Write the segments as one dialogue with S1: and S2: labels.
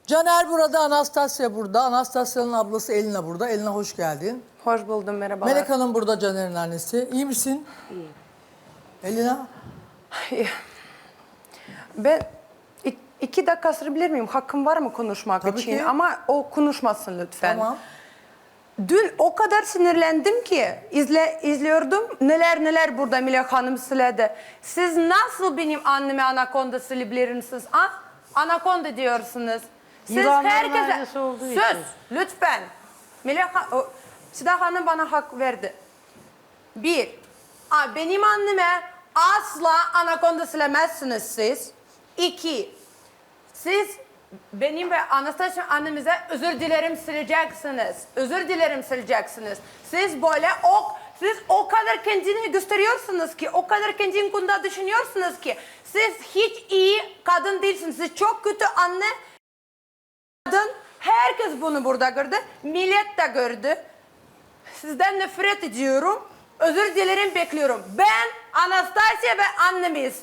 S1: Caner burada, Anastasya burada. Anastasya'nın ablası Elina burada. Elina hoş geldin.
S2: Hoş buldum, merhabalar.
S1: Melek Hanım burada, Caner'in annesi. İyi misin?
S2: İyiyim.
S1: Elina?
S2: Ben 2 dakika sırabilir miyim? Hakkım var mı konuşmak
S1: Tabii
S2: için?
S1: ki.
S2: Ama o konuşmasın lütfen.
S1: Tamam.
S2: Dün o kadar sinirlendim ki izliyordum neler burada Melek Hanım söyledi. Siz nasıl benim anneme anakonda söyleyebilirsiniz? Ha? Anakonda diyorsunuz. Siz
S3: Yılanların
S2: herkese...
S3: ailesi olduğu
S2: Söz
S3: için.
S2: lütfen. Seda Hanım bana hak verdi. Bir, benim anneme asla anakonda söylemezsiniz siz. İki, siz benim ve Anastasia annemize özür dilerim sileceksiniz. Özür dilerim sileceksiniz. Siz böyle siz o kadar kendini gösteriyorsunuz ki, o kadar kendini konuda düşünüyorsunuz ki, siz hiç iyi kadın değilsiniz. Siz çok kötü anne, kadın. Herkes bunu burada gördü. Millet de gördü. Sizden nefret ediyorum. Özür dilerim, bekliyorum. Ben, Anastasia ve annemiz.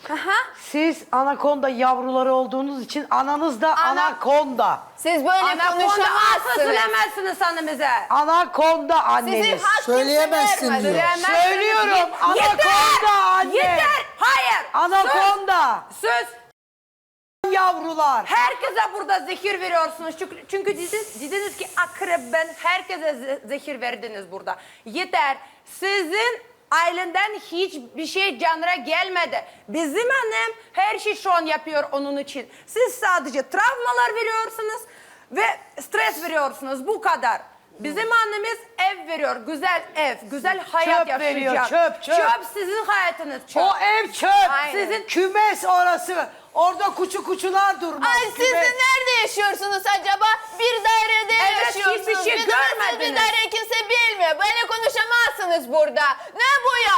S3: Siz anakonda yavruları olduğunuz için ananız da anakonda.
S4: Siz böyle
S2: Anakonda asla
S4: konuşamazsınız.
S2: söylemezsiniz annemize.
S3: Anakonda anneniz.
S4: Sizin hak
S1: Söyleyemezsin
S4: kimse
S1: diyor.
S4: vermez.
S3: Söylüyorum, anakonda anne.
S2: Yeter! Hayır!
S3: Anakonda.
S2: Söz!
S3: Yavrular.
S2: Herkese burada zehir veriyorsunuz. Çünkü dediniz ki akrep, ben herkese zehir verdiniz burada. Yeter! Sizin ailenden hiçbir şey canına gelmedi. Bizim annem her şey şu an yapıyor onun için. Siz sadece travmalar veriyorsunuz ve stres veriyorsunuz. Bu kadar. Bizim annemiz ev veriyor. Güzel ev, güzel hayat
S3: Çöp
S2: yaşayacak.
S3: veriyor, çöp.
S2: Çöp sizin hayatınız. Çöp.
S3: O ev çöp.
S2: Aynen.
S3: Sizin kümes orası. Orada kuçular durmaz.
S4: Ay siz de
S3: Kümes.
S4: nerede yaşıyorsunuz acaba? Bir dairede
S2: Evet,
S4: yaşıyorsunuz.
S2: hiçbir şey
S4: Bir de nasıl
S2: görmediniz.
S4: bir daire kimse bilmiyor. Böyle konuşamazsınız burada. Ne bu ya?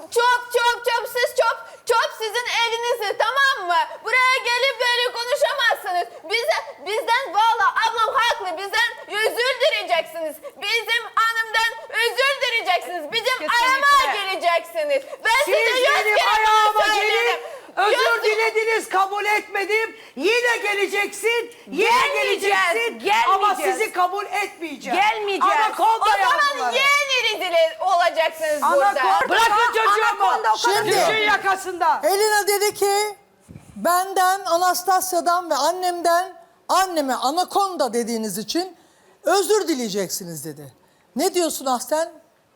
S4: Çöp siz sizin evinizde, tamam mı? Buraya gelip böyle konuşamazsınız. Bizden valla ablam haklı. Bizden özür dileyeceksiniz. Bizim hanımdan özür dileyeceksiniz. Bizim ayağıma geleceksiniz. Ben
S3: Siz
S4: size yüz
S3: benim
S4: kere
S3: ayağıma
S4: bunu söyledim.
S3: gelip özür dilediniz, kabul etmedim. Yine geleceksin, yine geleceksin. Ama
S2: gelmeyeceğiz.
S3: sizi kabul etmeyeceğim.
S2: Gelmeyeceğiz.
S3: Anakonda
S4: O zaman
S3: yavruları.
S4: yeni rezil olacaksınız burada.
S3: Anakonda. Bırakın çocuğumu.
S2: Anakonda o kadar-
S1: Şimdi-
S3: Düşün yakasından.
S1: Elina dedi ki benden, Anastasya'dan ve annemden anneme anakonda dediğiniz için özür dileyeceksiniz dedi. Ne diyorsun Ahsen?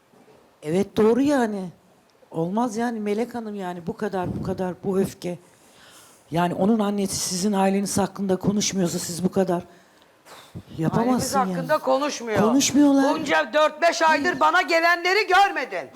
S5: Evet doğru yani. Olmaz yani Melek Hanım, yani bu kadar bu öfke. Yani onun annesi sizin aileniz hakkında konuşmuyorsa siz bu kadar
S3: Ailemiz
S5: yapamazsın yani.
S3: hakkında konuşmuyor.
S5: Konuşmuyorlar.
S3: Bunca 4-5 aydır bana gelenleri görmedin.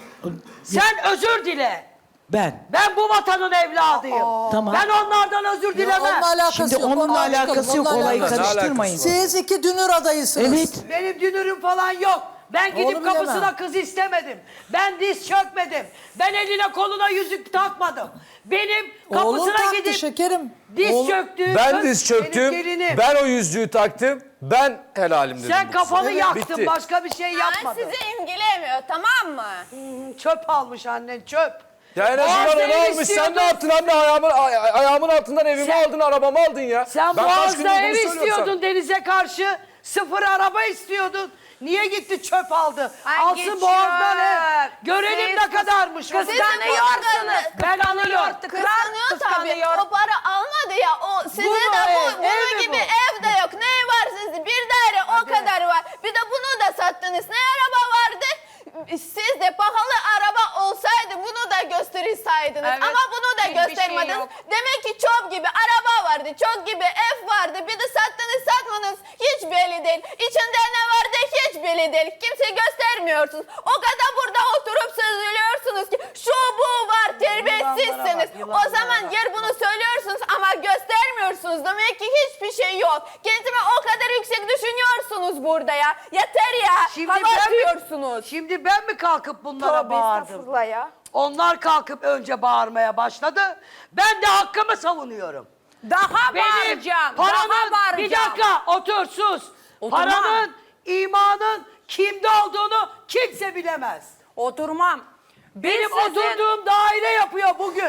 S3: Sen özür dile. Ben bu vatanın evladıyım.
S5: Tamam.
S3: Ben onlardan özür dilemem.
S1: Onunla alakası
S5: Şimdi
S1: yok.
S5: onunla
S1: Ondan çıkalım,
S5: alakası yok,
S1: onunla
S5: olayı
S1: alakası yok.
S5: karıştırmayın.
S1: Siz iki dünür adayısınız.
S5: Evet.
S3: Benim dünürüm falan yok. Ben
S1: Onu
S3: gidip
S1: bilemem.
S3: kapısına kız istemedim. Ben diz çökmedim. Ben eline koluna yüzük takmadım. Benim
S1: Oğlun
S3: kapısına
S1: taktı
S3: gidip
S1: şekerim.
S3: diz
S1: Oğlum-
S3: çöktüğüm
S6: Ben
S3: kız
S6: diz
S3: benim
S6: çöktüm,
S3: gelinim.
S6: ben o yüzüğü taktım, ben helalim dedim.
S3: Sen
S6: bu
S3: kafanı
S6: kıza.
S3: yaktın,
S6: Bitti.
S3: başka bir şey
S4: Ben
S3: yapmadın.
S4: sizi imgilemiyor, tamam mı?
S3: Çöp almış annen, çöp.
S6: Ya en azından
S3: Boğaz'da
S6: onu
S3: ev
S6: almış, sen
S3: istiyordun.
S6: ne yaptın anne? Ayağımın altından evimi
S3: Sen-
S6: aldın, arabamı aldın ya.
S3: Sen
S6: Ben kaç
S3: Boğaz'da
S6: gündür bunu
S3: ev
S6: söylüyorum
S3: istiyordun
S6: sana.
S3: denize karşı. 0 araba istiyordun. Niye gitti çöp aldı?
S2: Hangi
S3: Alsın Boğaz'dan ev.
S2: çöp?
S3: Görelim
S2: Siz
S3: ne kadarmış.
S2: Kıskanıyorsunuz.
S3: Ben anlıyorum.
S4: Kıskanıyor tabii.
S2: Kıskanıyor.
S4: O para almadı ya. Size
S3: mu
S4: de
S3: ev?
S4: bunun
S3: Ev mi
S4: gibi
S3: bu?
S4: ev de yok. Ne var sizde? Bir daire o kadar var. Bir de bunu da sattınız. Ne araba vardı? Siz de pahalı araba olsaydı bunu da gösterseydiniz.
S2: Evet.
S4: Ama bunu da
S2: Hiçbir şey
S4: göstermediniz.
S2: yok.
S4: Demek ki çok gibi araba vardı. Çok gibi ev vardı. Bir de sattınız satmanız hiç belli değil. İçinde ne vardı hiç belli değil. Kimse göstermiyorsunuz. O kadar burada oturup söylüyorsunuz ki şu bu var, terbiyesizsiniz.
S3: Yılanlara bak,
S4: O zaman yer bunu söylüyorsunuz ama göstermiyorsunuz. Demek ki hiçbir şey yok. Kendime o kadar yüksek düşünüyorsunuz burada ya. Yeter ya. Hava atıyorsunuz.
S3: Şimdi ben mi kalkıp bunlara
S4: Tövbe
S3: bağırdım?
S4: estağfurullah ya.
S3: Onlar kalkıp önce bağırmaya başladı. Ben de hakkımı savunuyorum.
S2: Daha
S3: Benim
S2: bağıracağım.
S3: paranın,
S2: Daha bağıracağım.
S3: bir dakika otur sus.
S2: Oturmam.
S3: Paranın, imanın kimde olduğunu kimse bilemez.
S2: Oturmam.
S3: Benim
S2: sizin-
S3: oturduğum daire yapıyor bugün.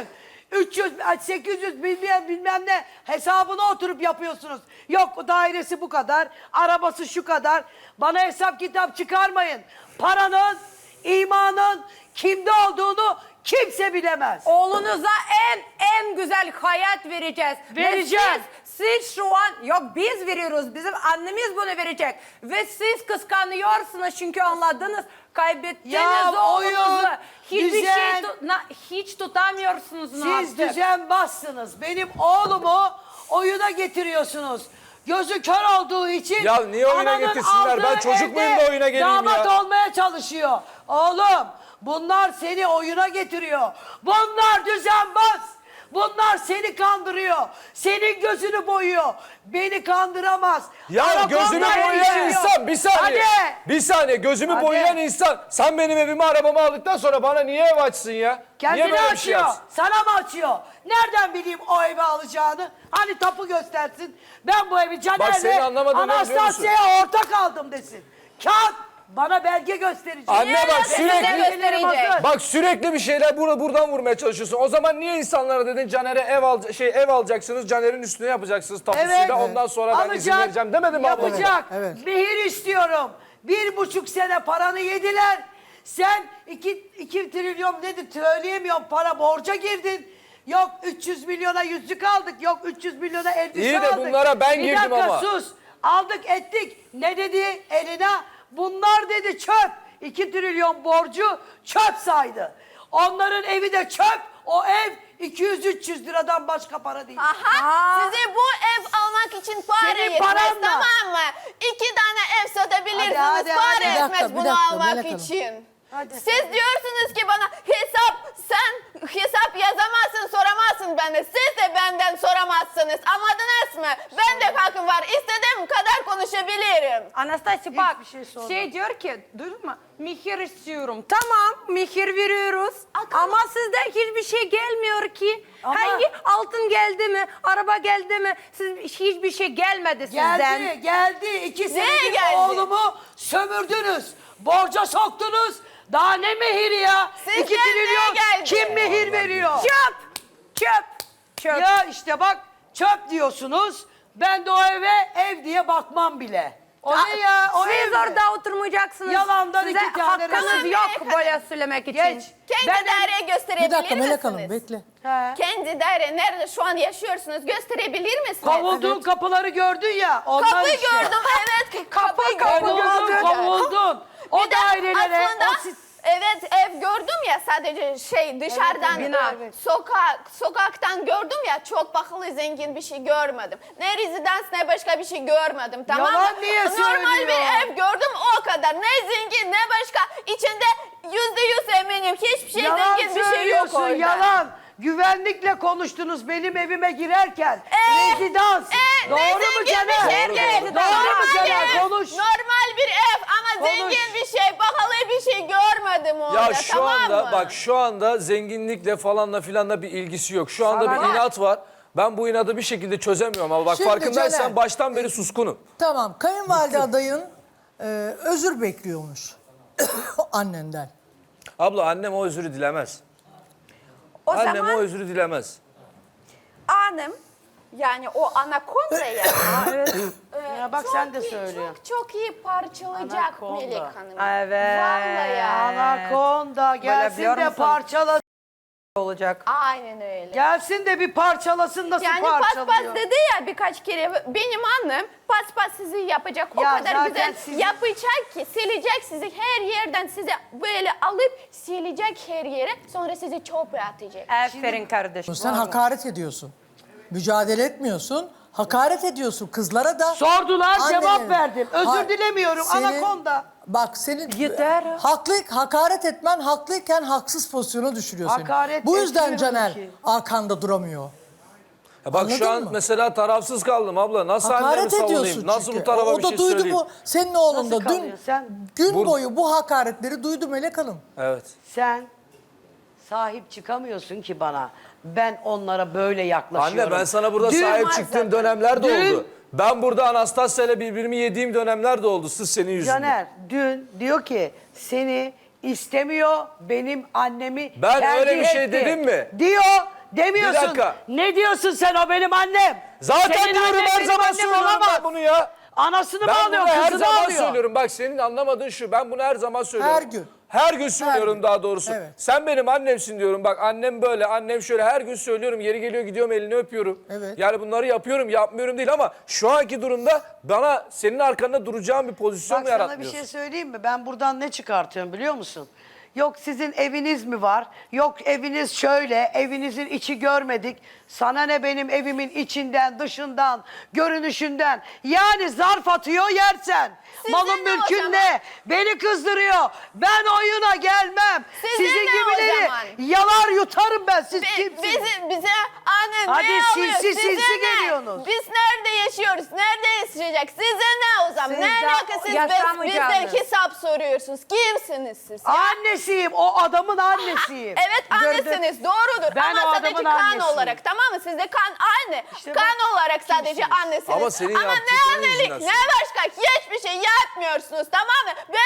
S3: 300, 800 bilmem ne hesabına oturup yapıyorsunuz. Yok dairesi bu kadar, arabası şu kadar. Bana hesap kitap çıkarmayın. Paranın, imanın kimde olduğunu kimse bilemez.
S2: Oğlunuza en güzel hayat vereceğiz.
S3: Vereceğiz.
S2: Ve siz şu an, yok biz veriyoruz, bizim annemiz bunu verecek. Ve siz kıskanıyorsunuz çünkü anladınız, kaybettiniz
S3: Ya,
S2: oğlunuzu.
S3: oyun,
S2: Hiçbir
S3: düzen.
S2: şey hiç tutamıyorsunuz
S3: Siz
S2: artık.
S3: düzenbazsınız. Benim oğlumu oyuna getiriyorsunuz. Gözü kör olduğu için
S6: Ya niye oyuna
S3: ananın
S6: getirsinler? Ben
S3: aldığı
S6: çocuk muyum
S3: evde
S6: da oyuna geleyim
S3: damat
S6: ya?
S3: olmaya çalışıyor. Oğlum bunlar seni oyuna getiriyor. Bunlar düzenbaz. Bunlar seni kandırıyor. Senin gözünü boyuyor. Beni kandıramaz.
S6: Ya
S3: Anakonda
S6: gözümü boyayan
S3: yaşıyor.
S6: insan bir saniye.
S3: Hadi.
S6: Bir saniye gözümü
S3: Hadi.
S6: boyayan insan. Sen benim evimi arabamı aldıktan sonra bana niye ev açsın ya? Niye
S3: Kendini
S6: böyle bir şey
S3: açıyor.
S6: yapsın?
S3: Sana mı açıyor? Nereden bileyim o evi alacağını? Hani tapu göstersin. Ben bu evi
S6: senin
S3: Caner'le
S6: anlamadığın ne biliyor musun?
S3: Anastasya'ya ortak aldım desin. Kağıt bana belge gösterecek.
S6: Anne bak
S4: Size
S6: sürekli
S4: gösterecek.
S6: bak sürekli bir şeyler buradan vurmaya çalışıyorsun. O zaman niye insanlara dedin Caner'e ev alacaksınız, Caner'in üstüne yapacaksınız tapusuyla
S3: Evet.
S6: ondan sonra ben izin vereceğim demedin mi abla?
S3: Yapacak.
S1: Evet.
S3: Mehir istiyorum. 1,5 sene paranı yediler. Sen 2 trilyon dedi söyleyemiyorum para borca girdin. Yok 300 milyona yüzük aldık. Yok 300 milyona elbise
S6: İyi de
S3: aldık.
S6: bunlara ben girdim
S3: Bir dakika
S6: ama.
S3: sus. Aldık ettik. Ne dedi eline? Bunlar dedi çöp. 2 trilyon borcu çöp saydı. Onların evi de çöp. O ev 200-300 liradan başka para değil.
S4: Aha, size bu ev almak için para
S3: Senin
S4: yetmez,
S3: paranla.
S4: tamam mı? 2 tane ev satabilirsiniz,
S3: Hadi,
S4: para
S3: hadi.
S1: Bir dakika,
S4: yetmez
S1: bir
S4: bunu
S1: dakika,
S4: almak
S1: Melek Hanım.
S4: için.
S3: Hadi.
S4: Siz diyorsunuz ki bana hesap yazamazsın, soramazsın benden. Siz de benden soramazsınız. Anladınız mı? Ben de hakkım var. İstediğim kadar konuşabilirim.
S2: Anastasya bak,
S3: Hiçbir şey sorma.
S2: diyor ki, duydun mu? Mihir istiyorum. Tamam, mihir veriyoruz. Ama sizden hiçbir şey gelmiyor ki.
S3: Ama-
S2: Hangi altın geldi mi, araba geldi mi? Siz hiçbir şey gelmedi sizden.
S3: Geldi. 2
S4: Neye
S3: senedir
S4: geldi?
S3: oğlumu sömürdünüz. Borca soktunuz. Daha ne mehiri ya?
S4: Sizden
S3: 2
S4: neye
S3: trilyon
S4: geldi?
S3: kim mehir veriyor?
S2: Çöp.
S3: Ya işte bak çöp diyorsunuz. Ben de o ev diye bakmam bile. O ne ya? O
S2: Siz
S3: ev mi?
S2: orada oturmayacaksınız.
S3: Yalandan
S2: Size
S3: 2 tane
S2: hakkınız
S3: resim.
S2: yok
S4: Melek
S2: böyle söylemek için.
S3: Geç.
S4: Kendi
S3: Ben-
S4: daireyi gösterebilir
S1: Bir dakika
S4: misiniz?
S1: Melek Hanım bekle.
S3: He.
S4: Kendi daire nerede şu an yaşıyorsunuz gösterebilir misiniz?
S3: Kovulduğun kapıları gördün ya. Onlar
S4: Kapı
S3: işte.
S4: gördüm, evet. Kapı
S3: Kovuldun,
S4: gördüm.
S3: kovuldun. O
S4: Bir de
S3: dairelere,
S4: aslında
S3: o
S4: evet ev gördüm ya sadece dışarıdan
S2: bina.
S4: sokaktan gördüm ya çok pahalı zengin bir şey görmedim. Ne rezidans ne başka bir şey görmedim tamam mı?
S3: Yalan niye
S4: Normal
S3: söylüyor?
S4: bir ev gördüm o kadar. Ne zengin ne başka içinde %100 eminim hiçbir şey
S3: yalan
S4: zengin bir şey yok
S3: söylüyorsun,
S4: orada.
S3: yalan. Güvenlikle konuştunuz benim evime girerken. Rezidans.
S4: Ne
S3: Doğru mu
S4: zengin
S3: Caner?
S4: bir şey değil.
S3: Doğru mu
S4: Normal
S3: Caner?
S4: ev,
S3: Konuş.
S4: normal bir ev ama
S3: Konuş.
S4: zengin bir şey, pahalı bir şey görmedim orada
S6: Ya şu
S4: tamam
S6: anda
S4: mı?
S6: bak şu anda zenginlikle falanla filanla bir ilgisi yok. Şu anda
S3: Sana
S6: bir
S3: ne?
S6: inat var. Ben bu inadı bir şekilde çözemiyorum ama bak
S1: Şimdi
S6: farkındaysan
S1: Caner,
S6: baştan beri suskunum.
S1: Tamam, kayınvalide adayın özür bekliyormuş annenden.
S6: Abla annem o özürü dilemez.
S2: O
S6: Annem
S2: zaman
S6: o özürü dilemez.
S2: hanım,
S4: Yani o anakonda ya.
S3: Ya bak
S4: çok
S3: sen de
S4: iyi,
S3: söylüyorsun.
S4: çok iyi parçalayacak
S3: Anakonda.
S4: Melek Hanım.
S2: Evet.
S4: Vallahi ya.
S3: Anakonda gelsin
S2: biliyor
S3: de
S2: musun?
S3: parçalasın.
S2: olacak.
S4: Aynen öyle.
S3: Gelsin de bir parçalasın nasıl
S4: Yani
S3: parçalıyor.
S4: paspas dedi ya birkaç kere benim annem paspas sizi yapacak o
S3: Ya
S4: kadar
S3: zaten
S4: güzel
S3: sizin-
S4: yapacak ki silecek sizi her yerden sizi böyle alıp silecek her yere sonra sizi çöpe atacak.
S2: Aferin kardeşim.
S1: Sen hakaret ediyorsun. Mücadele etmiyorsun. Hakaret ediyorsun kızlara da.
S3: Sordular,
S1: annelere.
S3: cevap verdim. Özür
S1: Ha-
S3: dilemiyorum, anakonda.
S1: Bak senin
S2: Yeter.
S1: hakaret etmen haklıyken haksız pozisyona düşürüyor seni.
S3: Hakaret
S1: Bu yüzden
S3: etmiyorum
S1: Caner
S3: ki.
S1: arkanda duramıyor.
S6: Ya bak
S1: Anladın
S6: şu an
S1: mı?
S6: mesela tarafsız kaldım abla. Nasıl annemi
S1: Hakaret
S6: savunayım?
S1: ediyorsun
S6: Nasıl
S1: çünkü.
S6: bu tarafa
S1: O
S6: bir
S1: da
S6: şey
S1: duydu
S6: söyleyeyim?
S1: bu. Senin oğlun
S3: Nasıl
S1: da dün
S3: kalıyor? Sen-
S1: gün boyu bu hakaretleri duydu Melek Hanım.
S6: Evet.
S3: Sen sahip çıkamıyorsun ki bana. Ben onlara böyle yaklaşıyorum.
S6: Anne ben sana burada
S3: Dün-
S6: sahip çıktığım dönemler de
S3: Dün-
S6: oldu. Ben burada Anastasya ile birbirimi yediğim dönemler de oldu. Sırf senin yüzünden.
S3: Caner dün diyor ki seni istemiyor benim annemi
S6: Ben
S3: tercih
S6: öyle bir şey
S3: etti.
S6: dedim mi?
S3: Diyor demiyorsun.
S6: Bir dakika.
S3: Ne diyorsun sen, o benim annem.
S6: Zaten
S3: Senin
S6: diyorum
S3: annen
S6: her
S3: benim
S6: zaman
S3: annem
S6: söylüyorum
S3: olamaz.
S6: ben bunu ya.
S3: Anasını mı
S6: Ben
S3: alıyor,
S6: bunu her
S3: kızını
S6: zaman
S3: alıyor?
S6: söylüyorum. Bak senin anlamadığın şu. Ben bunu her zaman söylüyorum.
S1: Her gün.
S6: Her gün söylüyorum
S1: gün.
S6: daha doğrusu.
S1: Evet.
S6: Sen benim annemsin diyorum. Bak annem böyle, annem şöyle, her gün söylüyorum. Yeri geliyor gidiyorum elini öpüyorum.
S1: Evet.
S6: Yani bunları yapıyorum, yapmıyorum değil ama şu anki durumda bana senin arkanda duracağım bir pozisyon
S3: Bak
S6: mu
S3: sana bir
S6: yaratmıyorsun?
S3: şey söyleyeyim mi? Ben buradan ne çıkartıyorum biliyor musun? Yok sizin eviniz mi var? Yok eviniz şöyle, evinizin içi görmedik. Sana ne benim evimin içinden, dışından, görünüşünden. Yani zarf atıyor yersen.
S4: Size
S3: Malın
S4: ne o
S3: mülkün
S4: zaman?
S3: ne? Beni kızdırıyor. Ben oyuna gelmem.
S4: Size
S3: Sizin
S4: ne o
S3: gibileri
S4: zaman?
S3: yalar yutarım ben. Siz kimsiniz?
S4: Bize anne
S3: Hadi
S4: ne
S3: sinsi
S4: oluyor? Size
S3: sinsi
S4: ne?
S3: geliyorsunuz.
S4: Biz nerede yaşıyoruz? Nerede yaşayacak? Size ne o zaman?
S2: Siz
S4: Ne
S2: de
S4: alaka siz
S2: yaşamayacaksınız.
S4: bizden hesap soruyorsunuz? Kimsiniz siz? ya?
S3: Annesiyim. O adamın annesiyim.
S4: Evet annesiniz doğrudur
S3: Ben o
S4: ama sadece
S3: adamın
S4: kan
S3: annesiyim.
S4: olarak tamam mı? Sizde kan anne.
S3: İşte
S4: kan
S3: bak,
S4: olarak sadece
S3: kimsiniz?
S4: annesiniz.
S6: Ama senin
S4: ne
S6: yaptıkların
S4: annelik
S6: yüzünden
S4: ne başka hiçbir şey yapmıyorsunuz tamam mı? Ben